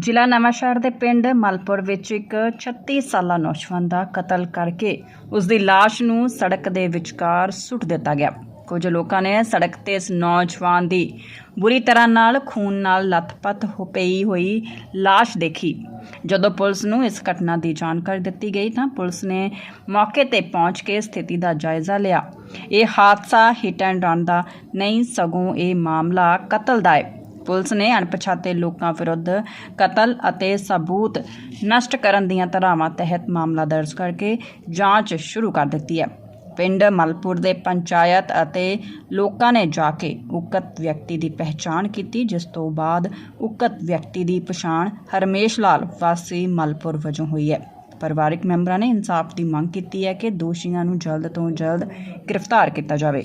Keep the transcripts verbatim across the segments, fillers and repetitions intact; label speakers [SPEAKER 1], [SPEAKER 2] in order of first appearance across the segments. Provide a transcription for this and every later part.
[SPEAKER 1] ਜ਼ਿਲ੍ਹਾ ਨਵਾਂਸ਼ਹਿਰ ਦੇ ਪਿੰਡ ਮਲਪੁਰ ਵਿੱਚ ਇੱਕ ਛੱਤੀ ਸਾਲਾ ਨੌਜਵਾਨ ਦਾ ਕਤਲ ਕਰਕੇ ਉਸ ਦੀ ਲਾਸ਼ ਨੂੰ ਸੜਕ ਦੇ ਵਿਚਕਾਰ ਸੁੱਟ ਦਿੱਤਾ ਗਿਆ। ਕੁਝ ਲੋਕਾਂ ਨੇ ਸੜਕ ਤੇ ਇਸ ਨੌਜਵਾਨ ਦੀ ਬੁਰੀ ਤਰ੍ਹਾਂ ਨਾਲ ਖੂਨ ਨਾਲ ਲੱਥਪੱਥ ਹੋ ਪਈ ਹੋਈ ਲਾਸ਼ ਦੇਖੀ। ਜਦੋਂ ਪੁਲਿਸ ਨੂੰ ਇਸ ਘਟਨਾ ਦੀ ਜਾਣਕਾਰੀ ਦਿੱਤੀ ਗਈ ਤਾਂ ਪੁਲਿਸ ਨੇ ਮੌਕੇ ਤੇ ਪਹੁੰਚ ਕੇ ਸਥਿਤੀ ਦਾ ਜਾਇਜ਼ਾ ਲਿਆ। ਇਹ ਹਾਦਸਾ ਹਿੱਟ ਐਂਡ ਰਨ ਦਾ ਨਹੀਂ, ਸਗੋਂ ਇਹ ਮਾਮਲਾ ਕਤਲ ਦਾ ਹੈ। ਪੁਲਿਸ ਨੇ ਅਣਪਛਾਤੇ ਲੋਕਾਂ ਵਿਰੁੱਧ ਕਤਲ ਅਤੇ ਸਬੂਤ ਨਸ਼ਟ ਕਰਨ ਦੀਆਂ ਧਾਰਾਵਾਂ ਤਹਿਤ ਮਾਮਲਾ ਦਰਜ ਕਰਕੇ ਜਾਂਚ ਸ਼ੁਰੂ ਕਰ ਦਿੱਤੀ ਹੈ। ਪਿੰਡ ਮਲਪੁਰ ਦੇ ਪੰਚਾਇਤ ਅਤੇ ਲੋਕਾਂ ਨੇ ਜਾ ਕੇ ਉਕਤ ਵਿਅਕਤੀ ਦੀ ਪਹਿਚਾਣ ਕੀਤੀ, ਜਿਸ ਤੋਂ ਬਾਅਦ ਉਕਤ ਵਿਅਕਤੀ ਦੀ ਪਛਾਣ ਹਰਮੇਸ਼ ਲਾਲ ਵਾਸੀ ਮਲਪੁਰ ਵਜੋਂ ਹੋਈ ਹੈ। ਪਰਿਵਾਰਕ ਮੈਂਬਰਾਂ ਨੇ ਇਨਸਾਫ ਦੀ ਮੰਗ ਕੀਤੀ ਹੈ ਕਿ ਦੋਸ਼ੀਆਂ ਨੂੰ ਜਲਦ ਤੋਂ ਜਲਦ ਗ੍ਰਿਫਤਾਰ ਕੀਤਾ ਜਾਵੇ।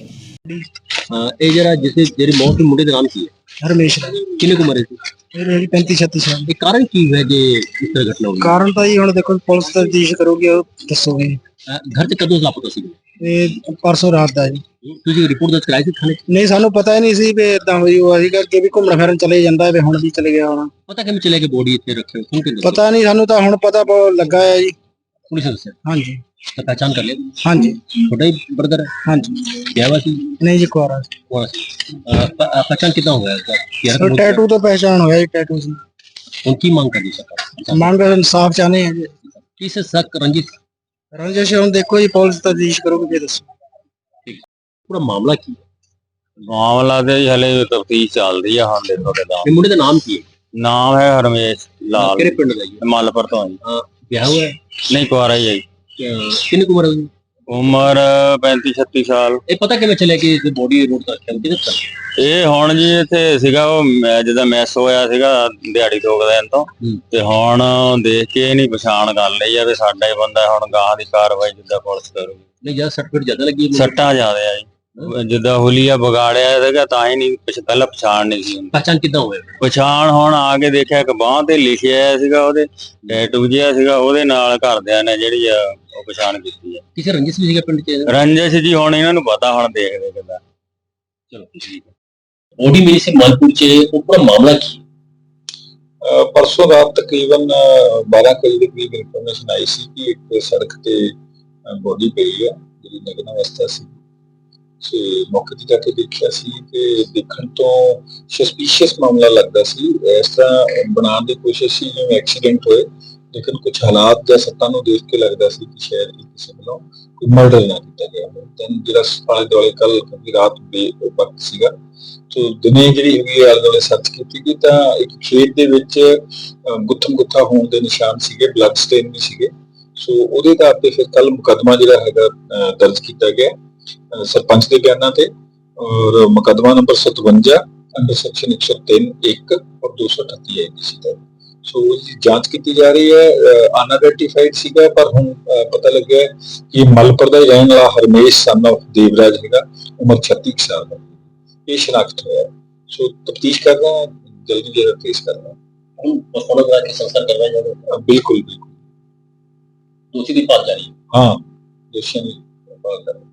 [SPEAKER 2] ਇਹ ਜਿਹੜਾ ਜਿਸ ਜਿਹੜੀ ਮੌਤ ਦੇ ਮੁੰਡੇ ਦਾ ਨਾਮ ਕੀ ਹੈ?
[SPEAKER 3] ਹਰਮੇਸ਼।
[SPEAKER 2] ਕਿੰਨੇ ਕੁ ਉਮਰ ਸੀ?
[SPEAKER 3] ਮੇਰੀ ਪੈਂਤੀ ਛੱਤੀ ਸਾਲ।
[SPEAKER 2] ਇਹ ਕਾਰਨ ਕੀ ਹੈ ਜੇ ਇਸ ਤਰ੍ਹਾਂ ਘਟਨਾ ਹੋਈ?
[SPEAKER 3] ਕਾਰਨ ਤਾਂ ਜੀ ਹੁਣ ਦੇਖੋ ਪੁਲਿਸ ਤਫਤੀਸ਼ ਕਰੂਗੀ, ਉਹ ਦੱਸੋਗੇ।
[SPEAKER 2] ਘਰ ਤੇ ਕਦੋਂ ਲਾਪਤਾ ਸੀ?
[SPEAKER 3] ਇਹ ਪਰਸੋਂ ਰਾਤ ਦਾ ਜੀ।
[SPEAKER 2] ਤੁਸੀਂ ਰਿਪੋਰਟ ਦਰਜ ਕਰਾਈ ਸੀ ਥਾਣੇ?
[SPEAKER 3] ਨਹੀਂ, ਸਾਨੂੰ ਪਤਾ ਹੀ ਨਹੀਂ ਸੀ ਵੀ ਇਦਾਂ ਹੋਈ। ਉਹ ਅਸੀਂ ਕਰਕੇ ਵੀ ਘੁੰਮਣ ਫਿਰਨ ਚਲੇ ਜਾਂਦਾ ਵੀ ਹੁਣ ਵੀ ਚਲੇ ਗਿਆ ਹੋਣਾ।
[SPEAKER 2] ਪਤਾ ਕਿਵੇਂ ਚੱਲਿਆ ਕਿ ਬੋਡੀ ਇੱਥੇ ਰੱਖੇ ਹੋ?
[SPEAKER 3] ਪਤਾ ਨਹੀਂ, ਸਾਨੂੰ ਤਾਂ ਹੁਣ ਪਤਾ ਲੱਗਾ ਹੈ ਜੀ।
[SPEAKER 2] ਪੁਲਿਸ ਨੇ ਦੱਸਿਆ?
[SPEAKER 3] ਹਾਂਜੀ।
[SPEAKER 2] ਤਾਂ ਪਹਿਚਾਣ ਕਰ ਲਿਆ?
[SPEAKER 3] ਹਾਂਜੀ।
[SPEAKER 2] ਤੁਹਾਡਾ ਹੀ ਬ੍ਰਦਰ ਹੈ?
[SPEAKER 3] ਹਾਂਜੀ।
[SPEAKER 2] ਵਿਆਹ ਸੀ?
[SPEAKER 3] ਨਹੀਂ ਜੀ, ਕੁਆਰਾ ਸੀ।
[SPEAKER 2] ਕੁਆਰਾ ਸੀ। ਪਹਿਚਾਣ ਕਿੱਦਾਂ ਹੋਇਆ?
[SPEAKER 3] ਸਰ ਟੈਟੂ ਤੋਂ ਪਹਿਚਾਣ ਹੋਇਆ ਜੀ, ਟੈਟੂ ਸੀ।
[SPEAKER 2] ਹੁਣ ਕੀ ਮੰਗ ਕਰਦੀ ਸਰਕਾਰ?
[SPEAKER 3] ਮੰਗ ਇਨਸਾਫ ਚਾਹਨੇ ਆ ਜੀ।
[SPEAKER 2] ਕਿਸ ਸ਼ੱਕ ਰੰਜਿਸ਼
[SPEAKER 3] ਰੰਜਿਸ਼ ਹੁਣ ਦੇਖੋ ਜੀ, ਪੁਲਿਸ ਤਫਤੀਸ਼ ਕਰੂਗੀ ਫਿਰ ਦੱਸੋ।
[SPEAKER 2] ਪੂਰਾ ਮਾਮਲਾ ਕੀ ਹੈ?
[SPEAKER 4] ਮਾਮਲਾ ਤੇ ਹਲੇ ਤਫਤੀਸ਼ ਚੱਲਦੀ ਆ। ਹਾਂ ਦੇਖੋ ਕਿਦਾਂ।
[SPEAKER 2] ਇਹ ਮੁੰਡੇ ਦਾ ਨਾਮ ਕੀ ਹੈ?
[SPEAKER 4] ਨਾਮ ਹੈ ਹਰਮੇਸ਼ ਲਾਲ।
[SPEAKER 2] ਕਿਹੜੇ ਪਿੰਡ ਦਾ ਜੀ?
[SPEAKER 4] ਮਲਪੁਰ ਤੋਂ ਜੀ।
[SPEAKER 2] ਵਿਆਹ ਹੋਇਆ ਹੈ?
[SPEAKER 4] ਨਹੀਂ, ਕੁਆਰਾ ਹੀ ਹੈ ਜੀ।
[SPEAKER 2] ਕਿੰਨੀ ਕੁ ਉਮਰ ਹੈ?
[SPEAKER 4] ਉਮਰ ਪੈਂਤੀ ਛੱਤੀ ਸਾਲ।
[SPEAKER 2] ਇਹ ਪਤਾ ਕਿਵੇਂ ਚੱਲਿਆ ਕਿ ਇਹ ਬੋਡੀ ਰੋਡ ਤੇ ਰੱਖਿਆ? ਕਿਹਦੇ ਤੋਂ?
[SPEAKER 4] ਇਹ ਹੁਣ ਜੀ ਇੱਥੇ ਸੀਗਾ, ਉਹ ਜਿੱਦਾਂ ਮੈਸ ਹੋਇਆ ਸੀਗਾ ਦਿਹਾੜੀ ਦੋ ਦਿਨ ਤੋਂ, ਤੇ ਹੁਣ ਦੇਖ ਕੇ ਨਹੀਂ ਪਛਾਣ ਕਰ ਲਈ ਆ ਵੀ ਸਾਡਾ ਹੀ ਬੰਦਾ। ਹੁਣ ਗਾਂ ਦੀ ਕਾਰਵਾਈ ਜਿੱਦਾਂ ਪੁਲਿਸ ਕਰੂਗੀ।
[SPEAKER 2] ਨਹੀਂ, ਜਿਆਦਾ ਸਰਟੀਫਿਕੇਟ ਜ਼ਿਆਦਾ ਲੱਗੀ?
[SPEAKER 4] ਸੱਟਾਂ ਜ਼ਿਆਦਾ ਆ ਜੀ। ਜਿੱਦਾਂ ਹੁਲੀਆ ਵਿਗਾੜਿਆ ਸੀਗਾ ਤਾਂ ਹੀ ਨਹੀਂ ਪਹਿਲਾਂ ਪਛਾਣ ਨਹੀਂ ਸੀ ਹੁੰਦੀ।
[SPEAKER 2] ਪਹਿਚਾਣ ਕਿੱਦਾਂ ਹੋਇਆ?
[SPEAKER 4] ਪਛਾਣ ਹੁਣ ਆ ਕੇ ਦੇਖਿਆ ਕਿ ਬਾਂਹ ਤੇ ਲਿਖਿਆ ਸੀਗਾ, ਉਹਦੇ ਟੈਟੂ ਜਿਹਾ ਸੀਗਾ, ਉਹਦੇ ਨਾਲ ਘਰਦਿਆਂ ਨੇ ਜਿਹੜੀ ਆ ਉਹ ਪਛਾਣ ਕੀਤੀ ਹੈ।
[SPEAKER 2] ਕਿਸੇ ਰੰਜਿਸ਼ ਵੀ ਸੀਗਾ ਪਿੰਡ ਚ?
[SPEAKER 4] ਰੰਜਿਸ਼ ਜੀ ਹੁਣ ਇਹਨਾਂ ਨੂੰ ਪਤਾ, ਹੁਣ ਦੇਖਦੇ ਕਿੱਦਾਂ।
[SPEAKER 2] ਚਲੋ ਠੀਕ ਹੈ। ਬੋਡੀ ਮਿਲੀ ਸੀ ਮਲਪੁਰ ਚ, ਉਹ ਪੂਰਾ ਮਾਮਲਾ ਕੀ?
[SPEAKER 5] परसों रात तकरीबन बारह के करीब इन्फॉर्मेशन आई सी कि एक सड़क ते बॉडी पई है जी नग्न अवस्था सी। सो मौके ते जाके देखिया सी कि देखण तो सस्पीशियस मामला लगदा सी। इस तरह बनाने की कोशिश सी जिवें एक्सीडेंट होए, लेकिन कुछ हालात या सत्तां नूं देख के लगदा सी कि शायद किसी वालों कोई मर्डर ना किया गया हो। दैन जिहड़ा आले दुआले कल क्योंकि रात बे वक्त सीगा, तो दिने ਜਿਹੜੀ ਹੈਗੀ ਆਲੇ ਦੁਆਲੇ ਸਰਚ ਕੀਤੀ ਗਈ ਤਾਂ ਇੱਕ ਖੇਤ ਦੇ ਵਿੱਚ ਗੁੱਥਮ ਗੁੱਥਾ ਹੋਣ ਦੇ ਨਿਸ਼ਾਨ ਸੀਗੇ, ਬਲੱਡ ਸਟੇਨ ਵੀ ਸੀਗੇ। ਸੋ ਉਹਦੇ ਆਧਾਰ ਤੇ ਫਿਰ ਕੱਲ ਮੁਕੱਦਮਾ ਜਿਹੜਾ ਹੈਗਾ ਦਰਜ ਕੀਤਾ ਗਿਆ ਸਰਪੰਚ ਦੇ ਬਿਆਨਾਂ ਤੇ, ਔਰ ਮੁਕੱਦਮਾ ਨੰਬਰ ਸਤਵੰਜਾ ਅੰਡਰ ਸੈਕਸ਼ਨ ਇੱਕ ਸੌ ਤਿੰਨ ਇੱਕ ਔਰ ਦੋ ਸੌ ਅਠੱਤੀ ਆਈਪੀਸੀ ਦਾ। ਸੋ ਉਹਦੀ ਜਾਂਚ ਕੀਤੀ ਜਾ ਰਹੀ ਹੈ। ਅਨਆਇਡੈਂਟੀਫਾਈਡ ਸੀਗਾ, ਪਰ ਹੁਣ ਪਤਾ ਲੱਗਿਆ ਕਿ ਮਲਪੁਰ ਦਾ ਰਹਿਣ ਵਾਲਾ ਹਰਮੇਸ਼ ਸਨ ਆਫ ਦੇਵਰਾਜ ਹੈਗਾ, ਉਮਰ ਛੱਤੀ ਸਾਲ ਦਾ। ਇਹ ਸ਼ਨਾਖਤ ਹੋਇਆ। ਸੋ ਤਫਤੀਸ਼ ਕਰ ਰਹੇ ਹਾਂ, ਜਲਦੀ ਜਿਹੜਾ ਕੇਸ ਕਰ ਰਹੇ ਹਾਂ।
[SPEAKER 2] ਹੁਣ ਪਸਤੌਲ ਕਰਾ ਕੇ ਸੰਸਕਾਰ ਕਰਵਾਇਆ ਜਾਵੇਗਾ?
[SPEAKER 5] ਬਿਲਕੁਲ ਬਿਲकुल।
[SPEAKER 2] ਦੋਸ਼ੀ ਦੀ ਭਾਲ ਜਾਰੀ ਹੈ?
[SPEAKER 5] ਹਾਂ, ਦੋਸ਼ੀਆਂ ਦੀ ਭਾਲ ਕਰ ਰਹੇ ਹਾਂ।